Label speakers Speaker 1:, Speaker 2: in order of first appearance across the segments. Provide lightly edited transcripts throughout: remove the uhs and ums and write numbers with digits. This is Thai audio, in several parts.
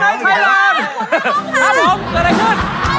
Speaker 1: ไนท์ไทยแลนด์ครับผมเกิดอะไรขึ้น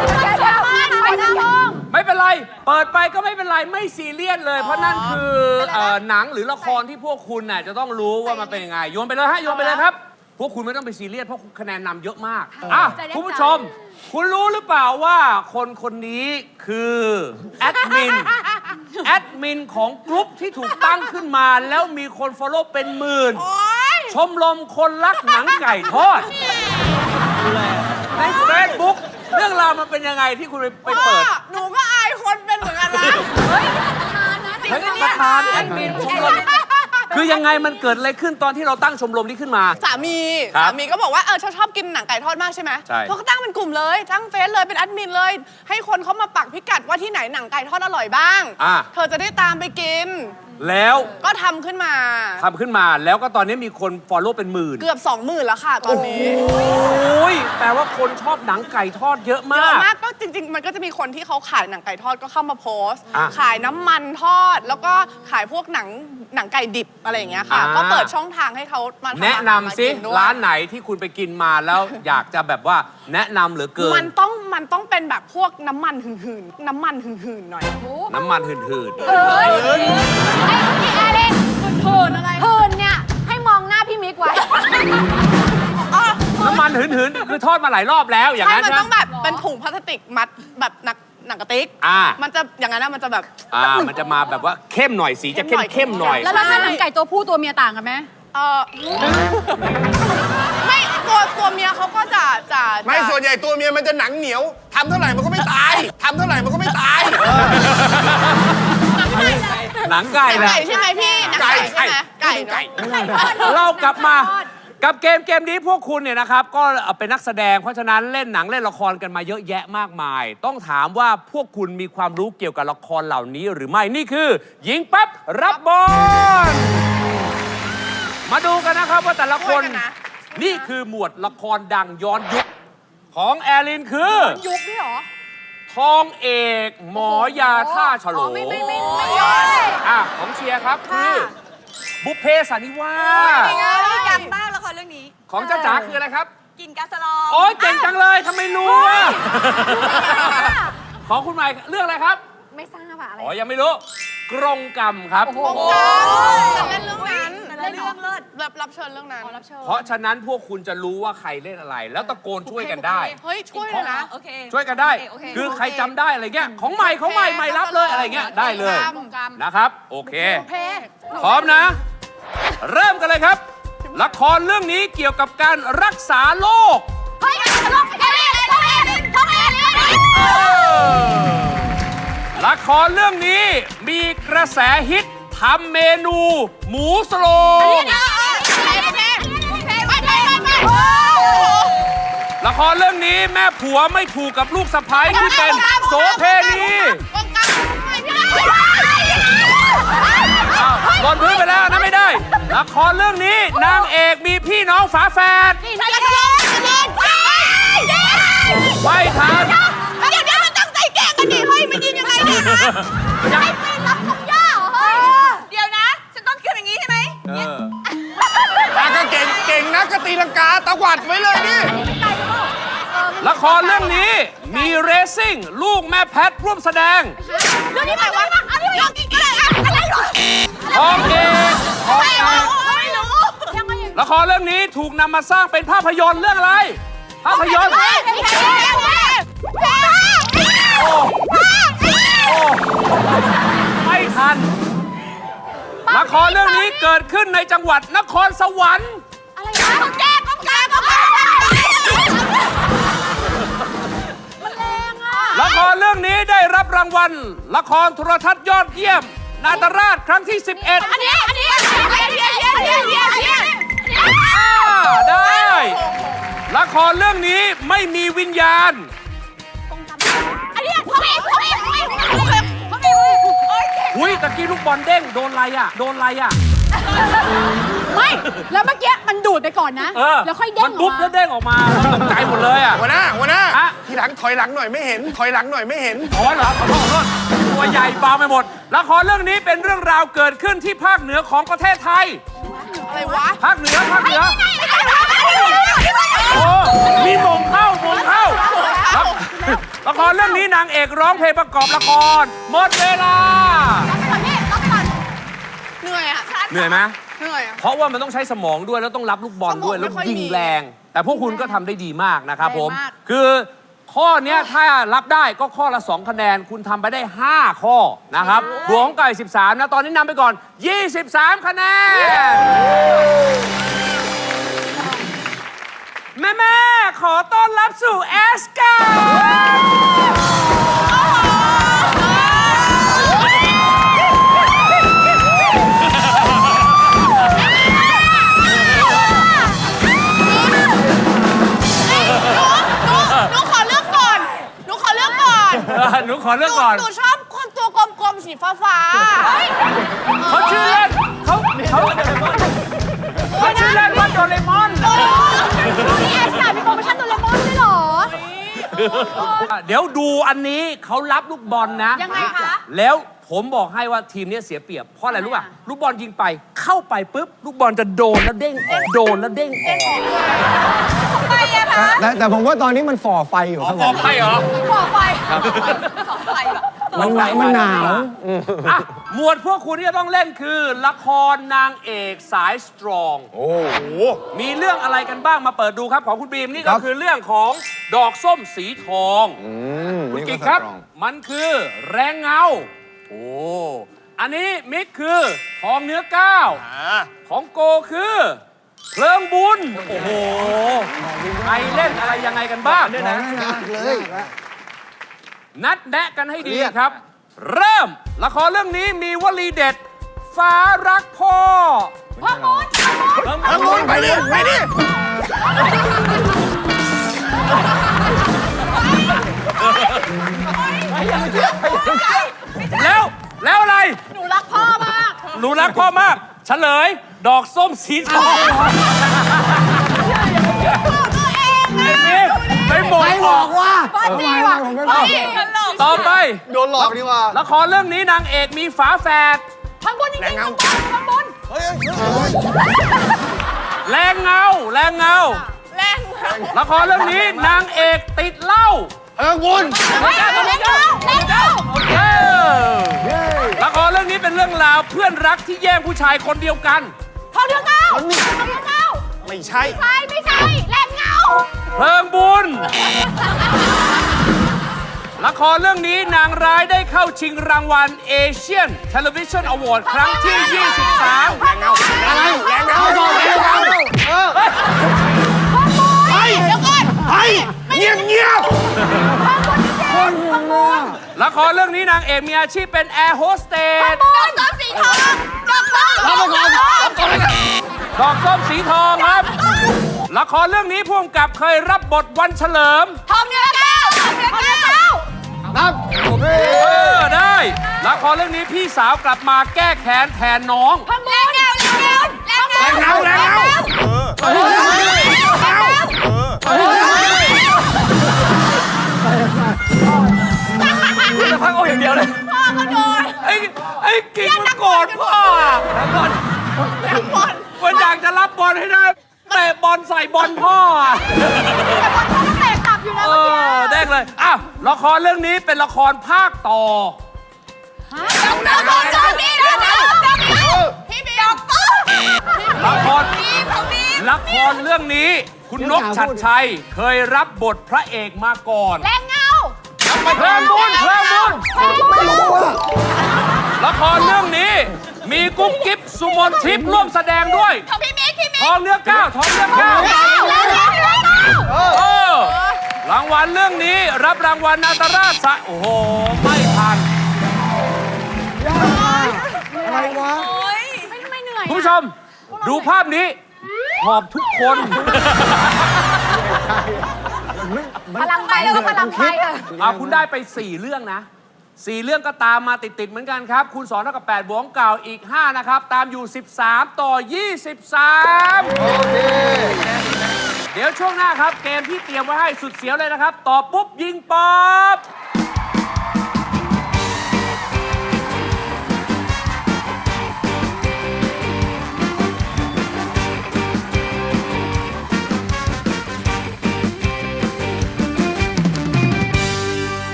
Speaker 1: ไม่เป็นไร เปิดไปก็ไม่เป็นไร ไม่ซีเรียสเลย เพราะนั่นคือหนังหรือละครที่พวกคุณน่ะจะต้องรู้ว่ามันเป็นยังไงโยนไปเลยฮะโยนไปเลยครับพวกคุณไม่ต้องไปซีเรียสเพราะคะแนนนำเยอะมากอ่ะคุณผู้ชมคุณรู้หรือเปล่าว่าคนคนนี้คือแอดมินของกลุ่มที่ถูกตั้งขึ้นมาแล้วมีคนฟอลโล่เป็นหมื่นชมรมคนรักหนังไก่ทอดในเฟซบุ๊กเรื่องราวมันเป็นยังไงที่คุณไปเปิด
Speaker 2: หนูก็อายคนเป็นเหมือนกันนะเฮ้ยประธานนะ
Speaker 1: ประธานแอดมินชมรมคือยังไงมันเกิดอะไรขึ้นตอนที่เราตั้งชมรมนี้ขึ้นมา
Speaker 2: สามีก็บอกว่าชอบกินหนังไก่ทอดมากใช่ไหม
Speaker 1: ใช่
Speaker 2: เขาก็ตั้งเป็นกลุ่มเลยตั้งเฟซเลยเป็นแอดมินเลยให้คนเขามาปักพิกัดว่าที่ไหนหนังไก่ทอดอร่อยบ้างเธอจะได้ตามไปกิน
Speaker 1: แล้ว
Speaker 2: ก็ทำขึ้นมา
Speaker 1: แล้วก็ตอนนี้มีคนฟอลโล่เป็นหมื่น
Speaker 2: เกือบ 20,000แล้วค่ะตอนนี้
Speaker 1: โอ้ยแปลว่าคนชอบหนังไก่ทอดเยอะมาก
Speaker 2: ก็จริงๆมันก็จะมีคนที่เขาขายหนังไก่ทอดก็เข้ามาโพสต์ขายน้ำมันทอดแล้วก็ขายพวกหนังไก่ดิบอะไรอย่างเงี้ยค่ะก็เปิดช่องทางให้เขามา
Speaker 1: แนะนำสิร้านไหนที่คุณไปกินมาแล้วอยากจะแบบว่าแนะนำเหลือเกิน
Speaker 2: มันต้องเป็นแบบพวกน้ำมันหืนๆหน่อย
Speaker 1: น้ำมันหืน
Speaker 2: พี่แอเล่นหืนอะไร
Speaker 3: หืนเนี่ยให้มองหน้าพี่มิกไว้
Speaker 1: น้ำมันหืนคือทอดมาหลายรอบแล้วอย่างนั้น
Speaker 2: ใช่มันต้องแบบเป็นถุงพลาสติกมัดแบบหนังกระติกมันจะอย่างนั้นมันจะแบบ
Speaker 1: มันจะมาแบบว่าเข้มหน่อยสีจะเข้มหน่อย
Speaker 3: แล้วถ้าหนังไก่ตัวผู้ตัวเมียต่างกันไหม
Speaker 2: ไม่ตัวเมียเขาก็จะ
Speaker 4: ไม่ส่วนใหญ่ตัวเมียมันจะหนังเหนียวทำเท่าไหร่มันก็ไม่ตาย
Speaker 1: หนังไก่นะ
Speaker 2: ใช่ไหมพี่ไก่ใช่ไหมไก่
Speaker 1: เรากลับมากับเกมนี้พวกคุณเนี่ยนะครับก็เป็นนักแสดงเพราะฉะนั้นเล่นหนังเล่นละครกันมาเยอะแยะมากมายต้องถามว่าพวกคุณมีความรู้เกี่ยวกับละครเหล่านี้หรือไม่นี่คือหญิงปั๊บรับบอลมาดูกันนะครับว่าแต่ละคนนี่คือหมวดละครดังย้อนยุคของแอลินคือ
Speaker 3: ยุคนี่หรอ
Speaker 1: ทองเอกหมอยาท่าฉลอง
Speaker 3: ไม่ย้อน
Speaker 1: ของเชียร์ครับคือบุพเพสันนิวาส
Speaker 3: จำได้ละครเรื่องนี้
Speaker 1: ของจ้าจ๋าคืออะไรครับ
Speaker 3: กินกาสลอง
Speaker 1: โอ้ยเก่งจังเลยทำไมรู้อ่ะของคุณหมายเรื่องอะไรครับ
Speaker 3: ไม่ทราบอะไร
Speaker 1: ยังไม่รู้กรงกรรมครับ
Speaker 2: กรงกรรมเล่นเรื่องนั้น
Speaker 3: เล่นเรื่องเลิศ
Speaker 2: รับเชิญเรื่องนั้น
Speaker 1: เพราะฉะนั้นพวกคุณจะรู้ว่าใครเล่นอะไรแล้วตะโกนช่วยกันได้
Speaker 2: เฮ้ยช่วยเลยนะ
Speaker 1: ช่วยกันได้คือใครจำได้อะไรเงี้ยของใหม่รับเลยอะไรเงี้ยได้เลยนะครับโอเคพร้อมนะเริ่มกันเลยครับละครเรื่องนี้เกี่ยวกับการรักษาโรคละครเรื่องนี้มีกระแสฮิตทำเมนูหมูสโลงละครเรื่องนี้แม่ผัวไม่ถูกกับลูกสะใภ้ที่เป็นโสเพณีหล่นพื้นไปแล้วนะไม่ได้ละครเรื่องนี้นางเอกมีพี่น้องฝาแฝดไม่ทัน
Speaker 2: เดี๋ยวมันตั้งใจแกล้งกันดิเฮ้ยมันยิงยังไงเนี่ยนะ
Speaker 3: ไม่รับของย่าเฮ้ย
Speaker 2: เดี๋ยวนะฉันต้องขึ้นอย่างนี้ใช่ไหม
Speaker 4: ตาก็เก่งนะก็ตีลังกาตะวัดไว้เลยนี่
Speaker 1: ละครเรื่องนี้มีเรซิ่งลูกแม่แพทร่วมแสดง
Speaker 2: เรื่องนี้หมายว่าอะไรหรอ
Speaker 1: ทองเอกละครเรื่องนี้ถูกนำมาสร้างเป็นภาพยนตร์เรื่องอะไรภาพยนตร์ไม่ทันละครเรื่องนี้เกิดขึ้นในจังหวัดนครสวรรค์
Speaker 3: อะไรนะมันแรงอ่ะ
Speaker 1: ละครเรื่องนี้ได้รับรางวัลละครโทรทัศน์ยอดเยี่ยมนาตราชครั้งที่11
Speaker 3: อันนี้
Speaker 1: ได้ละครเรื่องนี้ไม่มีวิญญาณอุ้ยตะกี้ลูกบอลเด้งโดนอะไรอ่ะ
Speaker 3: ไม่แล้วเมื่อกี้มันดูดไปก่อนนะแล้วค่อยเด้งออกมา
Speaker 1: มันบุ๊บแล้วเด้งออกมาตกใจหมดเลยอ่ะ
Speaker 4: หัวหน้าทีหลังถอยหลังหน่อยไม่เห็น
Speaker 1: อ๋อเหรอขอโทษตัวใหญ่เบาไปหมดละครเรื่องนี้เป็นเรื่องราวเกิดขึ้นที่ภาคเหนือของประเทศไทย
Speaker 2: อะไรวะ
Speaker 1: ภาคเหนือโอ้มีมงเข้ครับละครเรื่องนี้นางเอกร้องเพลงประกอบละครหมดเวลา
Speaker 2: เหนื่อยอ่ะ
Speaker 1: เหนื่อยไหม
Speaker 2: เหนื่อยอ่ะ
Speaker 1: เพราะว่ามันต้องใช้สมองด้วยแล้วต้องรับลูกบอลด้วย
Speaker 2: สมอง
Speaker 1: แล้ว
Speaker 2: ไม่ค่อย
Speaker 1: ยิง
Speaker 2: มี
Speaker 1: แรง แต่พวกคุณก็ทำได้ดีมากนะครับผม
Speaker 2: แรงมาก
Speaker 1: คือข้อเนี้ยถ้ารับได้ก็ข้อละ 2 คะแนน คุณทำไปได้ 5 ข้อนะครับบวกของไก่ 13 นะ ตอนนี้นำไปก่อน 23 คะแนน แม่ ขอต้อนรับสู่แอสการ์
Speaker 2: หนูขอเลือกก่อน หนูขอเลือกก่อน
Speaker 1: หนูขอเลือกก่อน
Speaker 2: หนูชอบคนตัวกลมๆสีฟ้าๆ
Speaker 1: เขาชื่อเล่นเขาชื่อเล่นว่าโดเรมอน
Speaker 3: นี่แอสการ์มีโปรโมชั่นโดเรมอนด้วยเหรอ
Speaker 1: เดี๋ยวดูอันนี้เขารับลูกบอลนะ
Speaker 3: ยังไงคะ
Speaker 1: แล้วผมบอกให้ว่าทีมนี้เสียเปรียบ เพราะอะไรรู้ป่ะ ลูกบอลยิงไปเข้าไปปุ๊บ ลูกบอลจะโดนแล้วเด้งออกโดนแล้วเด้งออก
Speaker 2: ไปอะคะ
Speaker 5: แต่ผมว่าตอนนี้มันฝ่อไฟอยู่ครับ
Speaker 1: ออกไปเหรอ
Speaker 2: ขอไฟขอไฟแบบ
Speaker 5: มันหนาว
Speaker 1: อ่ะหมวดพวกคุณที่จะต้องเล่นคือ ละครนางเอกสายสตรอง
Speaker 4: โอ้โห
Speaker 1: มีเรื่องอะไรกันบ้างมาเปิดดูครับ ของคุณบีมนี่ก็คือเรื่องของดอกส้มสีทองคุณกิ๊กครับ มันคือแรงเงา โอ้อันนี้มิกคือทองเนื้อก้าวของโกคือเพลิงบุญ โอ้โหใครเล่นอะไรยังไงกันบ้าง
Speaker 5: เลย
Speaker 1: นัดแนะกันให้ดีครับ เริ่มละครเรื่องนี้มีวลีเด็ด ฟ้ารักพ่อ
Speaker 3: พ่อมูน
Speaker 4: ทางนู้นไปดิ ไปดิ
Speaker 1: แล้วอะไร
Speaker 2: หนูรักพ่อมาก
Speaker 1: หนูรักพ่อมาก เฉลย ดอกส้มสีทองไอ้บิ๊กไม่บอก
Speaker 5: ใครบอกว่า
Speaker 3: ป้าจีว่ะ
Speaker 5: ผมไม่บอก
Speaker 1: ต่อไป
Speaker 5: โดนหลอกดีว่า
Speaker 1: ละครเรื่องนี้นางเอกมีฝาแฝด
Speaker 3: ข้างบนจริงๆข้างบน
Speaker 1: แรงเงา
Speaker 2: แรง
Speaker 1: ละครเรื่องนี้นางเอกติดเหล้า
Speaker 4: บุญ
Speaker 3: เฮ้ยเล่นเก้า
Speaker 1: เออละครเรื่องนี้เป็นเรื่องราวเพื่อนรักที่แย่งผู้ชายคนเดียวกัน
Speaker 3: ทองเดือเก้าทองเดือเก้า
Speaker 4: ไม่ใช่
Speaker 3: ไม่ใช่แรงเงา
Speaker 1: เพลิงบุญ ละครเรื่องนี้นางร้ายได้เข้าชิงรางวัล Asian Television Award ครั้งที่ 23
Speaker 4: แรงเงาอะไรแรงเงาแรงเงา
Speaker 2: เดี๋ยวก่อน
Speaker 4: เฮ้ยเงียบเงียบ
Speaker 1: ละครเรื่องนี้นางเอกมีอาชีพเป็นแอร์โฮสเตส
Speaker 2: ดอกส้มสีทองดอกส้ม
Speaker 1: ดอกส้มสีทองครับ ละครเรื่องนี้พ่วงกับเคยรับบทวันเฉลิม
Speaker 2: ทองเนื้อแก้วทองเนื้อแก้ว
Speaker 1: ได้ ละครเรื่องนี้พี่สาวกลับมาแก้แค้นแทนน้อง
Speaker 2: แรงเงาแรงเงา
Speaker 4: แรงเงา
Speaker 1: จะพักเอาอย่างเดียวเลย
Speaker 2: พ่อก็โดน
Speaker 1: ไอ้กิ๊กมันโกรธพ่อก่อนมันอยากจะรับบอลให้ได้เตะบอลใส่บอลพ่ออะ
Speaker 3: แต่บอลเขาก็เตะกลับอยู่นะ
Speaker 1: เอ
Speaker 3: เมื่อกี้
Speaker 1: อได้เลยอ้าวละครเรื่องนี้เป็นละครภาคต่อ
Speaker 2: ดอกส้มดอกนี้ดอกนี้พี่บีดอกส้ม
Speaker 1: ละคร
Speaker 2: พี่ของบี
Speaker 1: ละครเรื่องนี้ คุณนกชัดชัยเคยรับบทพระเอกมาก่อน
Speaker 3: แรงเงา
Speaker 1: เพลิงบุญละครเรื่องนี้ มีกุ๊กกิ๊บสุมนทิพย์ร่วมแสดงด้วย
Speaker 2: ของพี่มิกพี่มิก
Speaker 1: ทองเนื้อก้าวทองเนื้อก้าวรางวัลเรื่องนี้รับรางวัลนาตราชโอ้โห ไม่ทัน
Speaker 5: อะไรวะ
Speaker 3: ไม่เหนื่อย
Speaker 1: คุณผู้ชม ดูภาพนี้หอบทุกคน
Speaker 3: พลังไปแล้วก็พลังไปค่ะ
Speaker 1: คุณได้ไป 4 เรื่องนะ 4 เรื่องก็ตามมาติดๆเหมือนกันครับ คูณ2เท่ากับ8บวกเก่าอีก 5 นะครับ ตามอยู่ 13 ต่อ 23 โอเค เดี๋ยวช่วงหน้าครับ เกมที่เตรียมไว้ให้สุดเสียวเลยนะครับ ตอบปุ๊บ ยิงป๊อบ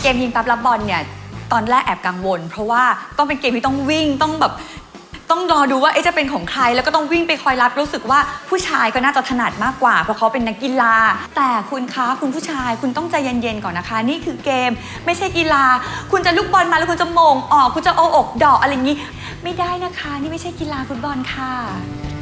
Speaker 6: เกมยิงปั๊บรับบอลเนี่ยตอนแรกแอบกังวล เพราะว่าต้องเป็นเกมที่ต้องวิ่งต้องรอดูว่าจะเป็นของใครแล้วก็ต้องวิ่งไปคอยรับรู้สึกว่าผู้ชายก็น่าจะถนัดมากกว่าเพราะเขาเป็นนักกีฬาแต่คุณคะคุณผู้ชายคุณต้องใจเย็นๆก่อนนะคะนี่คือเกมไม่ใช่กีฬาคุณจะลูกบอลมาแล้วคุณจะโมงออกคุณจะเอาอกดอกอะไรอย่างนี้ไม่ได้นะคะนี่ไม่ใช่กีฬาฟุตบอลค่ะ